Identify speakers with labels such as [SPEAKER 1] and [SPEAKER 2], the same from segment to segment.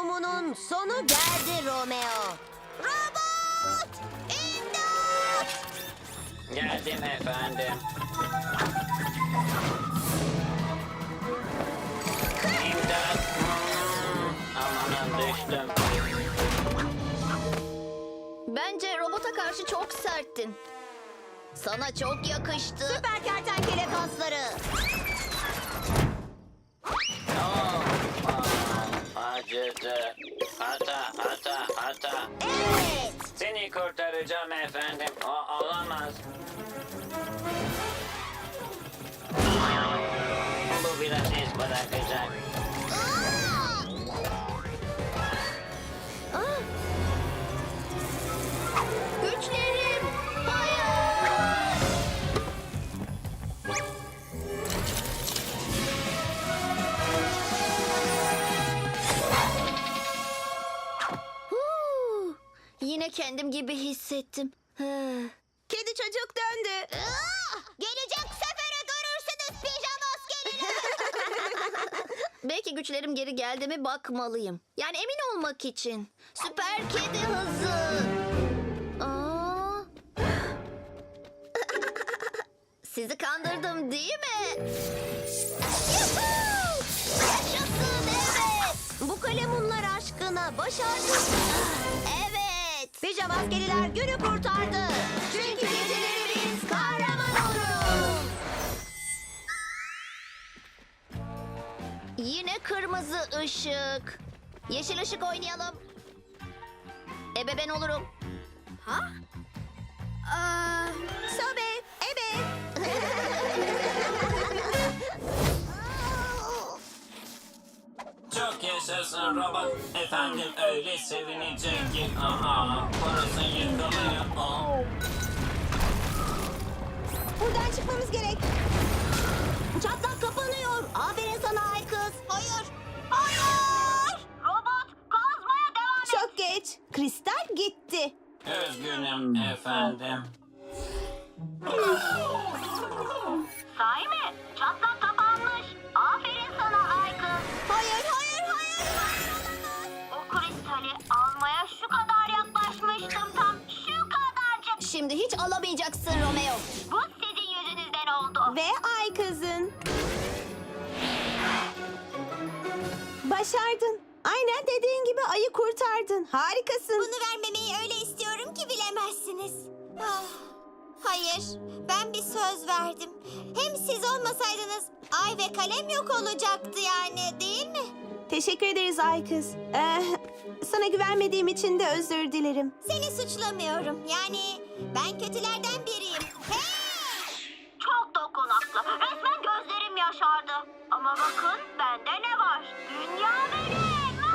[SPEAKER 1] uyumunun sonu geldi Romeo. Robot! İmdat!
[SPEAKER 2] Geldim efendim. İmdat. Amanın düştüm.
[SPEAKER 3] Bence robota karşı çok serttin. Sana çok yakıştı.
[SPEAKER 1] Süper kertenkele kasları.
[SPEAKER 2] Acıdı. Hata.
[SPEAKER 1] Evet.
[SPEAKER 2] Seni kurtaracağım efendim. O olamaz. Bu biraz iz bırakacak.
[SPEAKER 3] Güçlerim. Hayır. Huu, Yine kendim gibi hissettim.
[SPEAKER 1] Kedi çocuk döndü.
[SPEAKER 3] Gelecek sefere görürsünüz pijama askeriler. Belki güçlerim geri geldi mi bakmalıyım. Yani emin olmak için. Süper kedi hızı. Aa. Sizi kandırdım değil mi? Yuhuu! Yaşasın evet.
[SPEAKER 1] Bu kalemunlar aşkına başardık.
[SPEAKER 3] Evet.
[SPEAKER 1] Pijama askeriler günü kurtardı. Çünkü geceleri biz kahraman oluruz.
[SPEAKER 3] Yine kırmızı ışık. Yeşil ışık oynayalım. Ebe ben olurum. Ha?
[SPEAKER 1] Sobe, ebe.
[SPEAKER 2] Çok yaşasın robot. Efendim öyle sevinecek ki. Aha, burası yıkılıyor. Oh.
[SPEAKER 1] Buradan çıkmamız gerek. Çatlak kapanıyor. Aferin sana ay kız.
[SPEAKER 3] Hayır. Hayır. Robot kazmaya devam et.
[SPEAKER 1] Çok geç. Kristal gitti.
[SPEAKER 2] Üzgünüm efendim.
[SPEAKER 3] Sahi mi? Çatlak kapanmış. Aferin sana ay kız.
[SPEAKER 1] Hayır.
[SPEAKER 3] O kristali almaya şu kadar yaklaşmıştım tam. Şu kadarcık. Şimdi hiç alamayacaksın Romeo. Bu sizin yüzünüzden oldu.
[SPEAKER 1] Ve ay kızın. Başardın. Aynen dediğin gibi ayı kurtardın. Harikasın.
[SPEAKER 4] Bunu vermemeyi öyle istiyorum ki bilemezsiniz. Ah, hayır, ben bir söz verdim. Hem siz olmasaydınız ay ve kalem yok olacaktı yani, değil mi?
[SPEAKER 1] Teşekkür ederiz ay kız. Sana güvenmediğim için de özür dilerim.
[SPEAKER 4] Seni suçlamıyorum. Yani ben kötülerden biriyim. Hey!
[SPEAKER 3] Çok dokunaklı. Resmen gözlerim yaşardı. Ama bakın bende ne var? Dünya benim.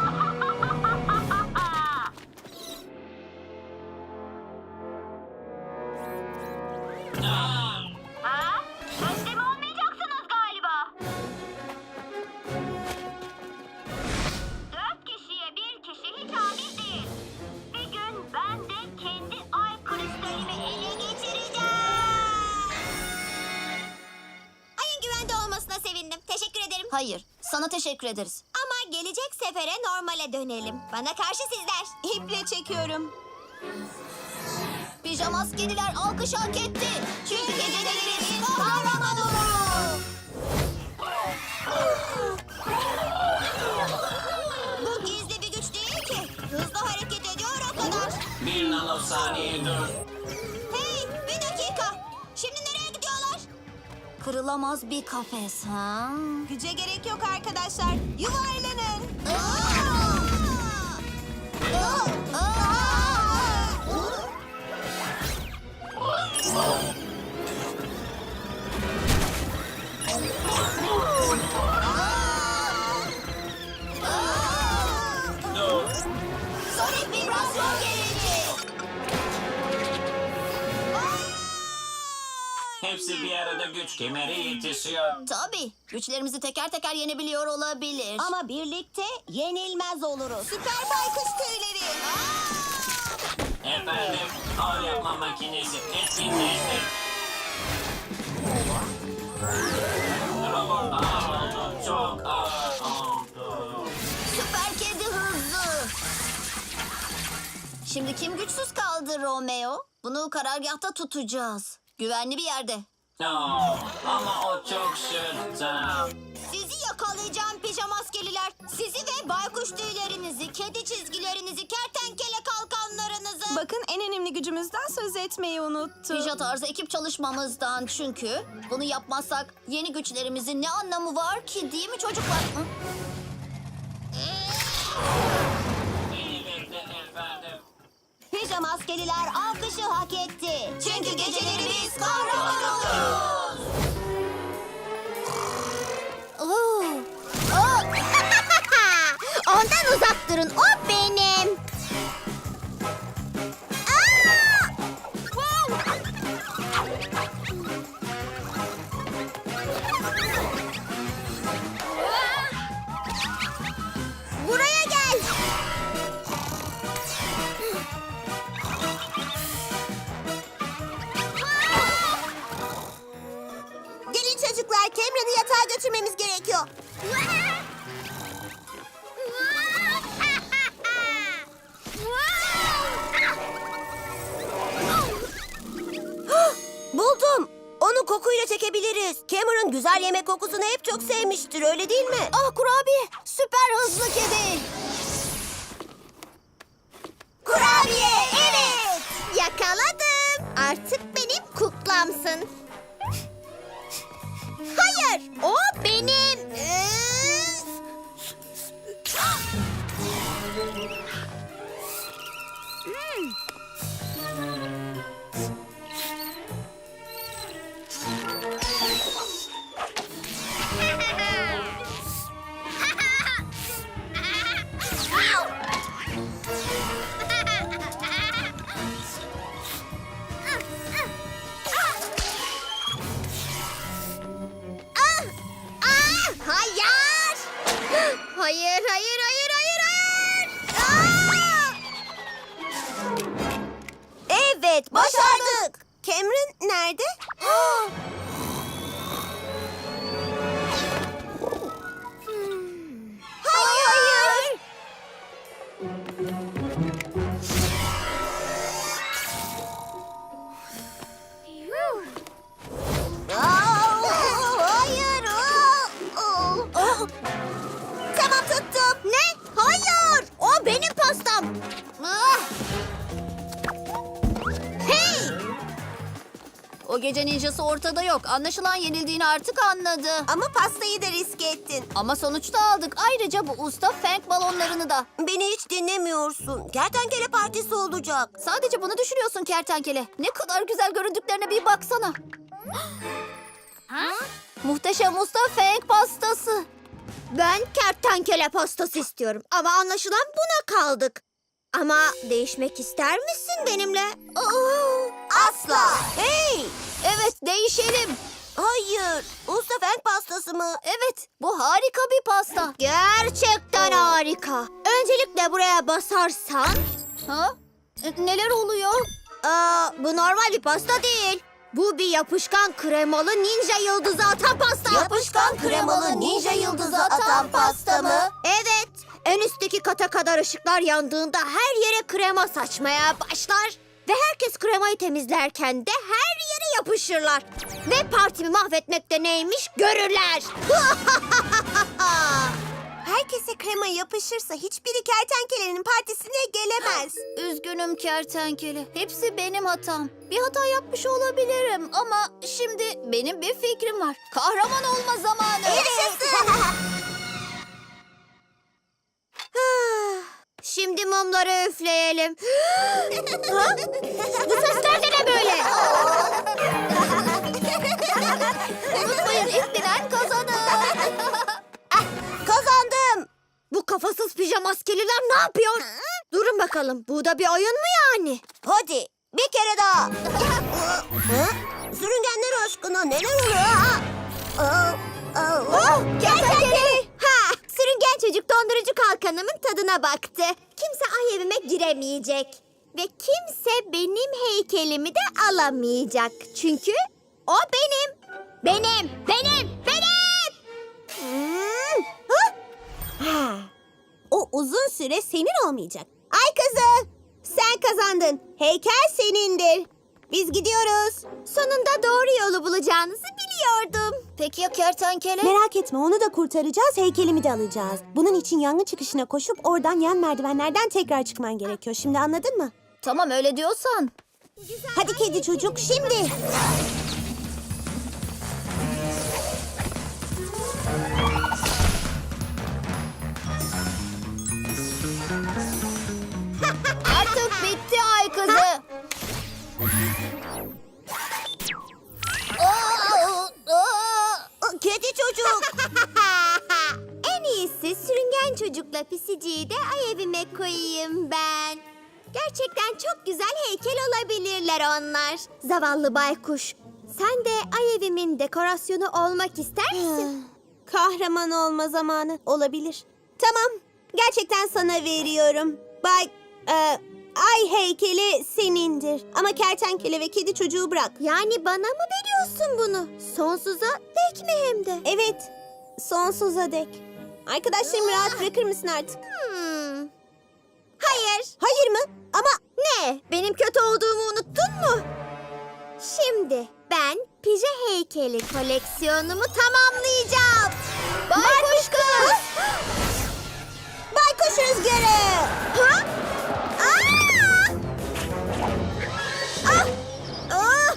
[SPEAKER 3] Ha? Teslim olmayacaksınız galiba. 4 kişiye bir kişi hiç adil değil. Bir gün ben de kendi ay kristalimi ele geçireceğim.
[SPEAKER 4] Ayın güvende olmasına sevindim. Teşekkür ederim.
[SPEAKER 3] Hayır, sana teşekkür ederiz.
[SPEAKER 4] Ama gelecek sefere normale dönelim. Bana karşı sizler.
[SPEAKER 1] İple çekiyorum.
[SPEAKER 3] Pijama askeriler alkış hak etti. Çünkü geceleri biz kahraman oluruz.
[SPEAKER 4] Bu gizli bir güç değil ki. Hızlı hareket ediyor o kadar.
[SPEAKER 2] Bir nanosaniye dur.
[SPEAKER 4] Hey, bir dakika. Şimdi nereye gidiyorlar?
[SPEAKER 3] Kırılamaz bir kafes ha?
[SPEAKER 1] Güce gerek yok arkadaşlar. Yuvarlanın.
[SPEAKER 2] Dur.
[SPEAKER 3] Sonic vibrasyon gelinci.
[SPEAKER 2] Hepsi bir arada güç kemeri yetişiyor.
[SPEAKER 3] Tabii, güçlerimizi teker teker yenebiliyor olabilir.
[SPEAKER 1] Ama birlikte yenilmez oluruz. Süper baykuş tüyleri.
[SPEAKER 2] Efendim, ağır yapma makinesi etkinleşti. Robot ağır oldu, çok ağır oldu.
[SPEAKER 3] Süper kedi hızı.
[SPEAKER 1] Şimdi kim güçsüz kaldı Romeo? Bunu karargahta tutacağız. Güvenli bir yerde.
[SPEAKER 2] Ama o çok şırtı.
[SPEAKER 4] Sizi yakalayacağım pijamaskeliler. Sizi ve baykuş tüylerinizi, kedi çizgilerinizi, kertenkele kalkanlarınızı.
[SPEAKER 5] Bakın en önemli gücümüzden söz etmeyi unuttum.
[SPEAKER 1] Pija tarzı ekip çalışmamızdan çünkü bunu yapmazsak yeni güçlerimizin ne anlamı var ki değil mi çocuklar? Hı?
[SPEAKER 2] İyi bekle efendim.
[SPEAKER 4] Pijamaskeliler alkışı hak etti. Çünkü geceleri biz kahraman oluruz.
[SPEAKER 1] Oo.
[SPEAKER 4] Ondan uzak durun. O benim. Buraya gel. Gelin çocuklar, Cameron'ı yatağa götürmemiz gerekiyor. Buldum. Onu kokuyla çekebiliriz. Cameron güzel yemek kokusunu hep çok sevmiştir, öyle değil mi?
[SPEAKER 1] Ah kurabiye, süper hızlı kedi.
[SPEAKER 4] Kurabiye, evet. Yakaladım. Artık benim kuklamsın. Hayır, o benim. Hayır. Hayır, hayır, hayır, hayır, hayır. Evet, başardık. Cameron nerede? Hayır. Hayır. Tamam, tuttum. Ne? Hayır. O benim pastam. Hey!
[SPEAKER 1] O gece ninjası ortada yok. Anlaşılan yenildiğini artık anladı.
[SPEAKER 4] Ama pastayı da riske ettin.
[SPEAKER 1] Ama sonuçta aldık. Ayrıca bu usta fenk balonlarını da.
[SPEAKER 4] Beni hiç dinlemiyorsun. Kertenkele partisi olacak.
[SPEAKER 1] Sadece bunu düşünüyorsun kertenkele. Ne kadar güzel göründüklerine bir baksana. Muhteşem usta fenk pastası.
[SPEAKER 4] Ben kertenkele pastası istiyorum. Ama anlaşılan buna kaldık. Ama değişmek ister misin benimle? Asla. Hey!
[SPEAKER 1] Evet değişelim.
[SPEAKER 4] Hayır. Usta fenk pastası mı?
[SPEAKER 1] Evet bu harika bir pasta.
[SPEAKER 4] Gerçekten harika. Öncelikle buraya basarsan...
[SPEAKER 1] Ha? Neler oluyor?
[SPEAKER 4] Bu normal bir pasta değil. Bu bir yapışkan kremalı ninja yıldızı atan pasta.
[SPEAKER 1] Yapışkan kremalı ninja yıldızı atan pasta mı?
[SPEAKER 4] Evet. En üstteki kata kadar ışıklar yandığında her yere krema saçmaya başlar. Ve herkes kremayı temizlerken de her yere yapışırlar. Ve partimi mahvetmekte neymiş görürler. Herkese krema yapışırsa hiçbiri kertenkelenin partisine gelemez.
[SPEAKER 1] Üzgünüm kertenkele. Hepsi benim hatam. Bir hata yapmış olabilirim ama şimdi benim bir fikrim var. Kahraman olma zamanı.
[SPEAKER 4] Şimdi mumları üfleyelim. Ha? Bu sesler de ne böyle?
[SPEAKER 1] Unutmayın ilk bilen kazanır.
[SPEAKER 4] Kazandım. Bu kafasız pijamaskeliler ne yapıyor? Durun bakalım. Bu da bir oyun mu yani? Hadi bir kere daha. Sürüngenler aşkına neler oluyor? Kertenkele. Ha, sürüngen çocuk dondurucu kalkanımın tadına baktı. Kimse ay evime giremeyecek. Ve kimse benim heykelimi de alamayacak. Çünkü o benim. Benim. O uzun süre senin olmayacak. Ay kızı, sen kazandın. Heykel senindir. Biz gidiyoruz. Sonunda doğru yolu bulacağınızı biliyordum.
[SPEAKER 1] Peki ya kertenkele?
[SPEAKER 4] Merak etme, onu da kurtaracağız, heykelimi de alacağız. Bunun için yangın çıkışına koşup oradan yan merdivenlerden tekrar çıkman gerekiyor. Şimdi anladın mı?
[SPEAKER 1] Tamam öyle diyorsan.
[SPEAKER 4] Hadi kedi çocuk, şimdi.
[SPEAKER 1] Artık bitti ay kızı.
[SPEAKER 4] Kedi çocuk. En iyisi sürüngen çocukla pisiciyi de ay evime koyayım ben. Gerçekten çok güzel heykel olabilirler onlar. Zavallı baykuş. Sen de ay evimin dekorasyonu olmak ister misin? Kahraman olma zamanı olabilir. Tamam. Gerçekten sana veriyorum. Ay heykeli senindir. Ama kertenkele ve kedi çocuğu bırak. Yani bana mı veriyorsun bunu? Sonsuza dek mi hem de? Evet. Sonsuza dek. Arkadaşlarımı rahat bırakır mısın artık? Hayır. Hayır mı? Ama ne? Benim kötü olduğumu unuttun mu? Şimdi ben pije heykeli koleksiyonumu tamamlayacağım. Baykuş kız! Baykuş rüzgarı! Ha? Aa! Ah! Ah!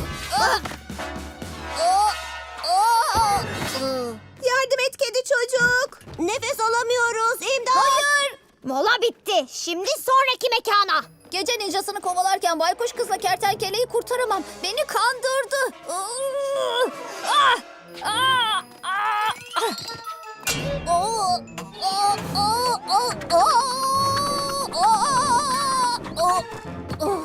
[SPEAKER 1] Ah!
[SPEAKER 4] Yardım et kedi çocuk. Nefes alamıyoruz. İmdat.
[SPEAKER 1] Hayır.
[SPEAKER 4] Mola bitti. Şimdi sonraki mekana.
[SPEAKER 1] Gece ninjasını kovalarken baykuş kızla kertenkeleyi kurtaramam. Beni kandırdı. Ah! Ah! Ah! Ah! Oh! Oh! Oh! Oh! Oh! Oh! Oh!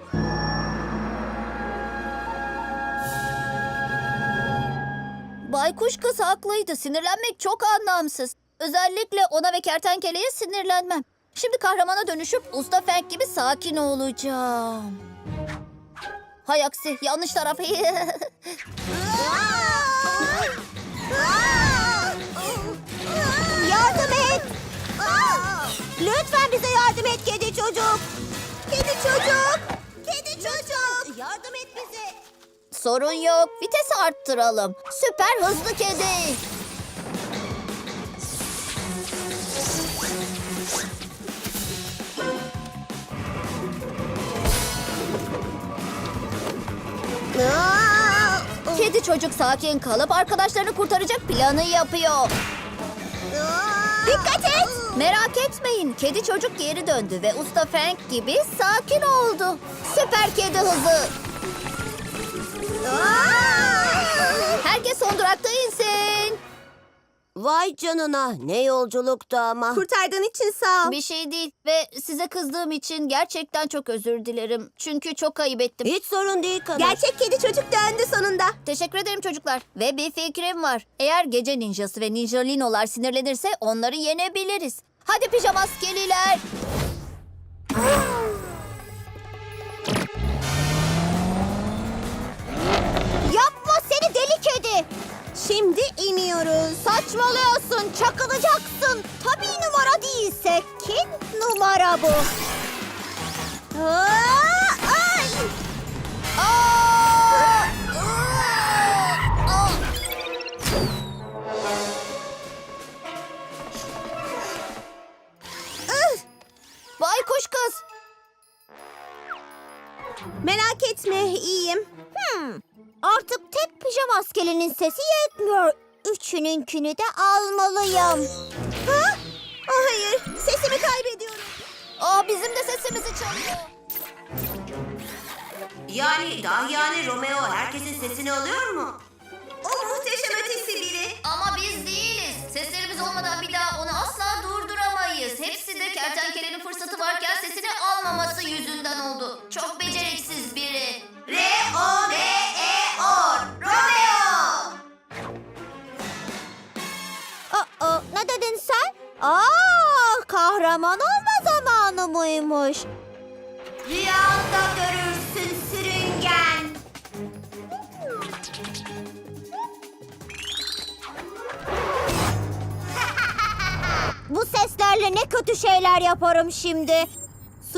[SPEAKER 1] Baykuş kız haklıydı. Sinirlenmek çok anlamsız. Özellikle ona ve kertenkeleye sinirlenmem. Şimdi kahramana dönüşüp Usta Fenk gibi sakin olacağım. Hay aksi, yanlış taraf.
[SPEAKER 4] Yardım et. Lütfen bize yardım et kedi çocuk. Kedi çocuk. Kedi çocuk. Yardım et bize.
[SPEAKER 1] Sorun yok. Vitesi arttıralım. Süper hızlı kedi. Kedi çocuk sakin kalıp arkadaşlarını kurtaracak planı yapıyor.
[SPEAKER 4] Dikkat et.
[SPEAKER 1] Merak etmeyin. Kedi çocuk geri döndü ve Usta Frank gibi sakin oldu. Süper kedi hızı. Herkes son durakta insin.
[SPEAKER 4] Vay canına, ne yolculuktu ama. Kurtardığın için sağ ol.
[SPEAKER 1] Bir şey değil ve size kızdığım için gerçekten çok özür dilerim. Çünkü çok ayıp ettim.
[SPEAKER 4] Hiç sorun değil kadın. Gerçek kedi çocuk döndü sonunda.
[SPEAKER 1] Teşekkür ederim çocuklar. Ve bir fikrim var. Eğer gece ninjası ve ninjalinolar sinirlenirse onları yenebiliriz. Hadi pijamaskeliler.
[SPEAKER 4] Yapma seni deli kedi. Şimdi iniyoruz. Saçmalıyorsun, çakılacaksın. Tabii numara değilse kim numara bu? Ay!
[SPEAKER 1] Baykuş kız.
[SPEAKER 4] Merak etme, iyiyim. Artık tek pijama askerinin sesi yetmiyor. Üçününkünü de almalıyım. Ha? Hayır, sesimi kaybediyorum.
[SPEAKER 1] Bizim de sesimizi çalıyor.
[SPEAKER 6] Yani Romeo herkesin sesini alıyor mu? O muhteşem ötesi biri.
[SPEAKER 1] Ama biz değiliz. Seslerimiz olmadan bir daha onu asla durduramayız. Hepsi de kertenkelenin fırsatı varken sesini almaması yüzünden oldu. Çok beceriksiz biri.
[SPEAKER 6] R-O-M-E-O Romeo.
[SPEAKER 4] Ne dedin sen? Kahraman olma zamanı mıymış?
[SPEAKER 6] Rüyanda görürsün sürüngen.
[SPEAKER 4] Bu seslerle ne kötü şeyler yaparım şimdi.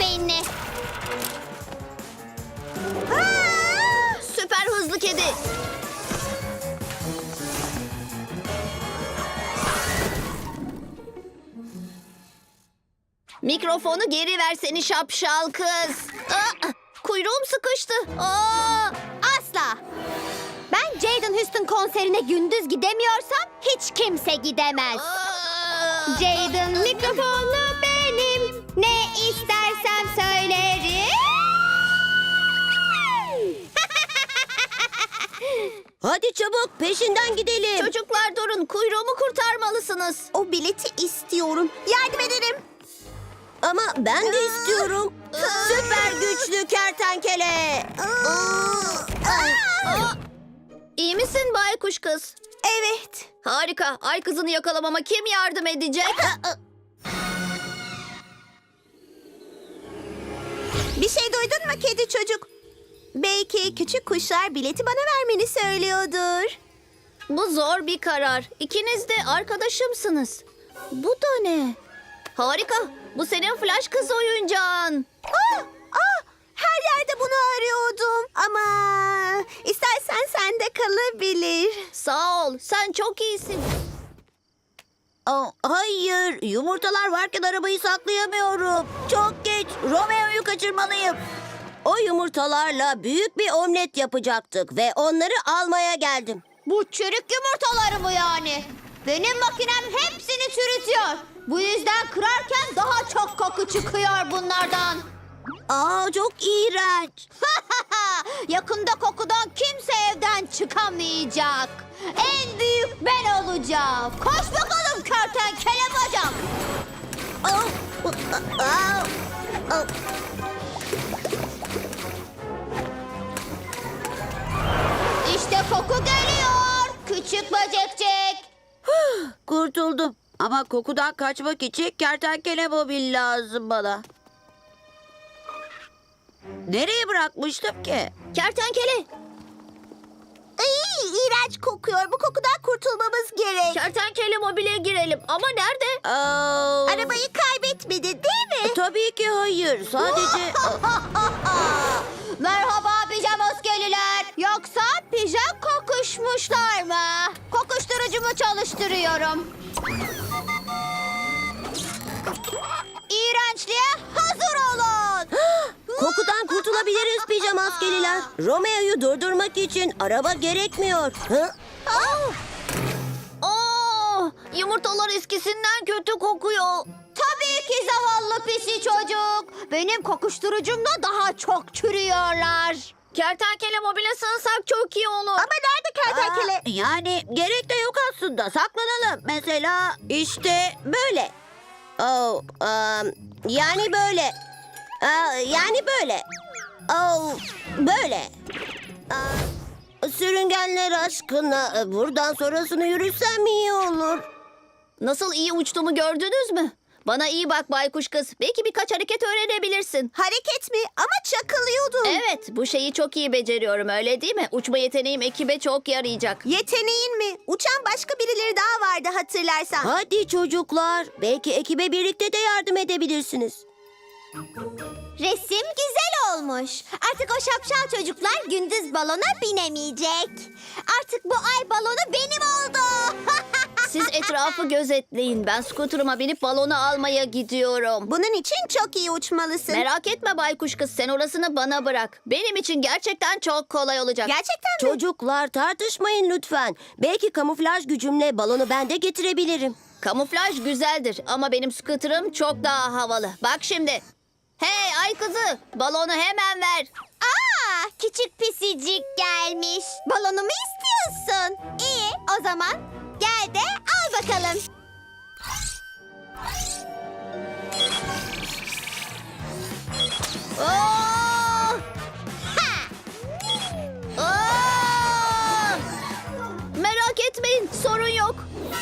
[SPEAKER 3] beynini.
[SPEAKER 1] Süper hızlı kedi. Mikrofonu geri ver seni şapşal kız. Kuyruğum sıkıştı.
[SPEAKER 4] Asla. Ben Jaden Houston konserine gündüz gidemiyorsam hiç kimse gidemez. Jaden mikrofonu benim. Ne istersem söylerim.
[SPEAKER 6] Hadi çabuk peşinden gidelim.
[SPEAKER 1] Çocuklar durun, kuyruğumu kurtarmalısınız.
[SPEAKER 4] O bileti istiyorum. Yardım ederim.
[SPEAKER 6] Ama ben de istiyorum. Süper güçlü kertenkele.
[SPEAKER 1] İyi misin baykuş kız?
[SPEAKER 4] Evet.
[SPEAKER 1] Harika. Ay kızını yakalamama kim yardım edecek?
[SPEAKER 4] Bir şey duydun mu kedi çocuk? Belki küçük kuşlar bileti bana vermeni söylüyordur.
[SPEAKER 1] Bu zor bir karar. İkiniz de arkadaşımsınız. Bu da ne? Harika. Bu senin flash kız oyuncağın.
[SPEAKER 4] Her yerde bunu arıyordum. Ama istersen sende kalabilir.
[SPEAKER 1] Sağ ol. Sen çok iyisin.
[SPEAKER 6] Hayır, yumurtalar varken arabayı saklayamıyorum. Çok geç, Romeo'yu kaçırmalıyım. O yumurtalarla büyük bir omlet yapacaktık ve onları almaya geldim.
[SPEAKER 4] Bu çürük yumurtaları mı yani? Benim makinem hepsini çürütüyor. Bu yüzden kırarken daha çok koku çıkıyor bunlardan.
[SPEAKER 6] Çok iğrenç.
[SPEAKER 4] Yakında kokudan kimse evden çıkamayacak. En büyük ben olacağım. Koş bakalım kertenkele bacak. İşte koku geliyor. Küçük böcekcik.
[SPEAKER 6] Kurtuldum. Ama kokudan kaçmak için kertenkele mobil lazım bana. Nereye bırakmıştım ki?
[SPEAKER 1] Kertenkele.
[SPEAKER 4] İğrenç kokuyor. Bu kokudan kurtulmamız gerek.
[SPEAKER 1] Kertenkele mobile girelim. Ama nerede?
[SPEAKER 4] Arabayı kaybetmedi değil mi?
[SPEAKER 6] Tabii ki hayır. Sadece...
[SPEAKER 4] Merhaba pijamaskeliler. Yoksa pijam kokuşmuşlar mı? Kokuşturucumu çalıştırıyorum. İğrençliğe hazır olun.
[SPEAKER 6] Kokudan kurtulabiliriz pijama askeriler. Romeo'yu durdurmak için araba gerekmiyor.
[SPEAKER 1] Yumurtalar eskisinden kötü kokuyor.
[SPEAKER 4] Tabii ki zavallı pisi çocuk. Benim kokuşturucumda daha çok çürüyorlar.
[SPEAKER 1] Kertenkele mobile sığınsak çok iyi olur.
[SPEAKER 4] Ama nerede kertenkele?
[SPEAKER 6] Yani gerek de yok aslında. Saklanalım. Mesela işte böyle. Yani böyle. Yani böyle. Böyle. Sürüngenler aşkına buradan sonrasını yürüsem iyi olur.
[SPEAKER 1] Nasıl iyi uçtuğumu gördünüz mü? Bana iyi bak baykuş kız. Belki birkaç hareket öğrenebilirsin.
[SPEAKER 4] Hareket mi? Ama çakılıyordum.
[SPEAKER 1] Evet, bu şeyi çok iyi beceriyorum öyle değil mi? Uçma yeteneğim ekibe çok yarayacak.
[SPEAKER 4] Yeteneğin mi? Uçan başka birileri daha vardı hatırlarsan.
[SPEAKER 6] Hadi çocuklar. Belki ekibe birlikte de yardım edebilirsiniz.
[SPEAKER 4] Resim güzel olmuş. Artık o şapşal çocuklar gündüz balona binemeyecek. Artık bu ay balonu benim oldu.
[SPEAKER 1] Siz etrafı gözetleyin. Ben skuterıma binip balonu almaya gidiyorum.
[SPEAKER 4] Bunun için çok iyi uçmalısın.
[SPEAKER 1] Merak etme baykuş kız, sen orasını bana bırak. Benim için gerçekten çok kolay olacak.
[SPEAKER 4] Gerçekten mi?
[SPEAKER 6] Çocuklar tartışmayın lütfen. Belki kamuflaj gücümle balonu ben de getirebilirim.
[SPEAKER 1] Kamuflaj güzeldir ama benim skuterım çok daha havalı. Bak şimdi. Hey ay kızı, balonu hemen ver.
[SPEAKER 4] Aa, küçük pisicik gelmiş. Balonumu istiyorsun. İyi, o zaman gel de al bakalım.
[SPEAKER 1] Oo! Oo! Merak etmeyin, sorun yok.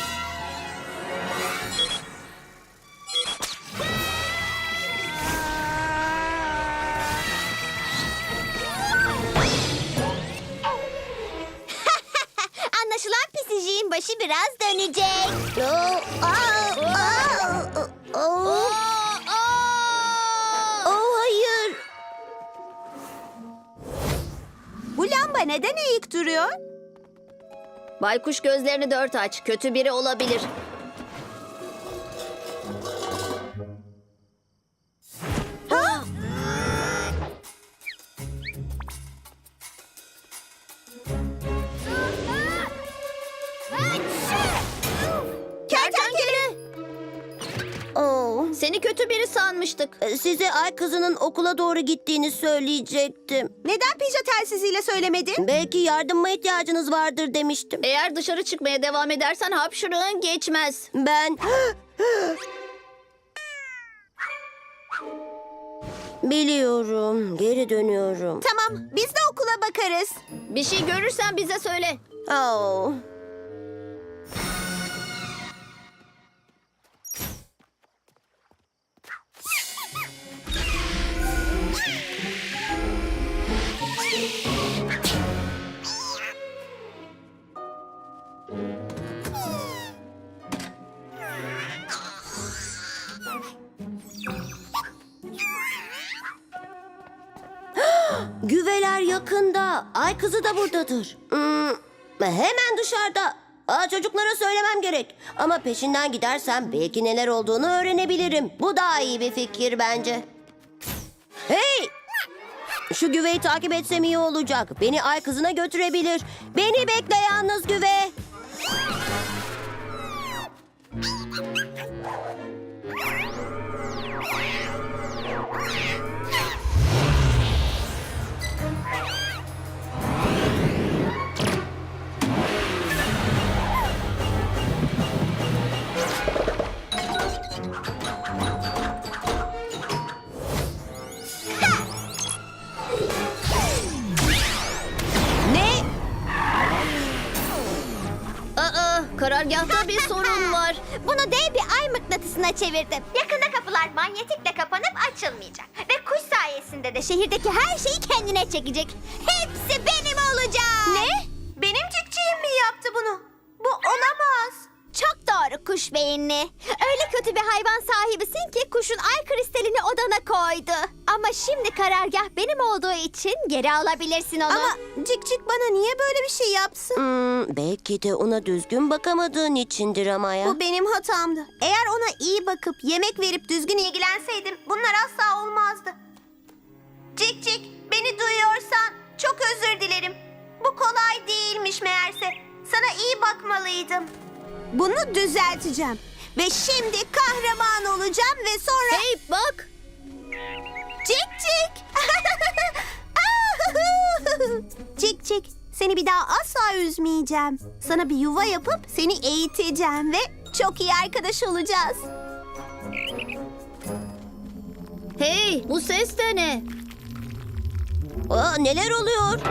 [SPEAKER 4] Anlaşılan pisiciğin başı biraz dönecek.
[SPEAKER 1] Oo, aa!
[SPEAKER 5] kupa neden eğik duruyor?
[SPEAKER 1] Baykuş gözlerini dört aç. Kötü biri olabilir. Kertenkele!
[SPEAKER 6] Oo,
[SPEAKER 1] Seni kötü biri sanmıştık.
[SPEAKER 6] size ay kızının okula doğru gittiğini söyleyecektim.
[SPEAKER 5] Neden pija telsiziyle söylemedin?
[SPEAKER 6] Belki yardıma ihtiyacınız vardır demiştim.
[SPEAKER 1] Eğer dışarı çıkmaya devam edersen hapşırığın geçmez.
[SPEAKER 6] Ben... Biliyorum, geri dönüyorum.
[SPEAKER 5] Tamam, biz de okula bakarız.
[SPEAKER 1] Bir şey görürsen bize söyle.
[SPEAKER 6] Oo. Güveler yakında. Ay kızı da buradadır. Hemen dışarıda. Çocuklara söylemem gerek. Ama peşinden gidersem belki neler olduğunu öğrenebilirim. Bu daha iyi bir fikir bence. Hey! Şu güveyi takip etsem iyi olacak. Beni ay kızına götürebilir. Beni bekle yalnız güve. Ne?
[SPEAKER 1] Karargahta bir sorun var.
[SPEAKER 4] Bunu dev bir ay mıknatısına çevirdim. Yakında kapılar manyetikle kapanıp açılmayacak. Ve kuş sayesinde de şehirdeki her şeyi kendine çekecek. Hepsi benim olacak.
[SPEAKER 5] Ne? Benim cikciğim mi yaptı bunu? Bu olamaz.
[SPEAKER 4] Çok doğru kuş beyinli. Öyle kötü bir hayvan sahibisin ki kuşun ay kristalini odana koydu. Ama şimdi karargah benim olduğu için geri alabilirsin onu.
[SPEAKER 5] Ama Cikcik bana niye böyle bir şey yapsın?
[SPEAKER 6] Belki de ona düzgün bakamadığın içindir ama ya.
[SPEAKER 5] Bu benim hatamdı. Eğer ona iyi bakıp yemek verip düzgün ilgilenseydim bunlar asla olmazdı. Cikcik, beni duyuyorsan çok özür dilerim. Bu kolay değilmiş meğerse. Sana iyi bakmalıydım. Bunu düzelteceğim. Ve şimdi kahraman olacağım ve sonra...
[SPEAKER 1] Hey bak.
[SPEAKER 5] Cikcik! Cikcik, seni bir daha asla üzmeyeceğim. Sana bir yuva yapıp seni eğiteceğim ve çok iyi arkadaş olacağız.
[SPEAKER 1] Hey bu ses de ne?
[SPEAKER 6] Neler oluyor?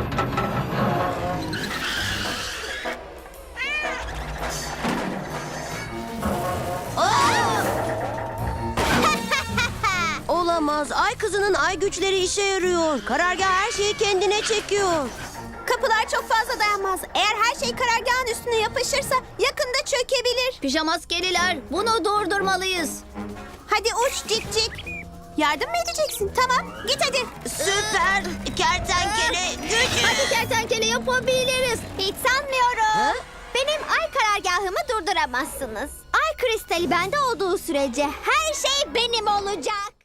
[SPEAKER 6] Olamaz. Ay kızının ay güçleri işe yarıyor. Karargah her şeyi kendine çekiyor.
[SPEAKER 5] Kapılar çok fazla dayanmaz. Eğer her şey karargahın üstüne yapışırsa yakında çökebilir.
[SPEAKER 1] Pijamaskeliler bunu durdurmalıyız.
[SPEAKER 5] Hadi uç Cikcik. Yardım mı edeceksin? Tamam, git hadi.
[SPEAKER 6] Süper kertenkele gücü.
[SPEAKER 1] Hadi kertenkele yapabiliriz.
[SPEAKER 4] Hiç sanmıyorum. Benim ay karargahımı durduramazsınız. Ay kristali bende olduğu sürece her şey benim olacak.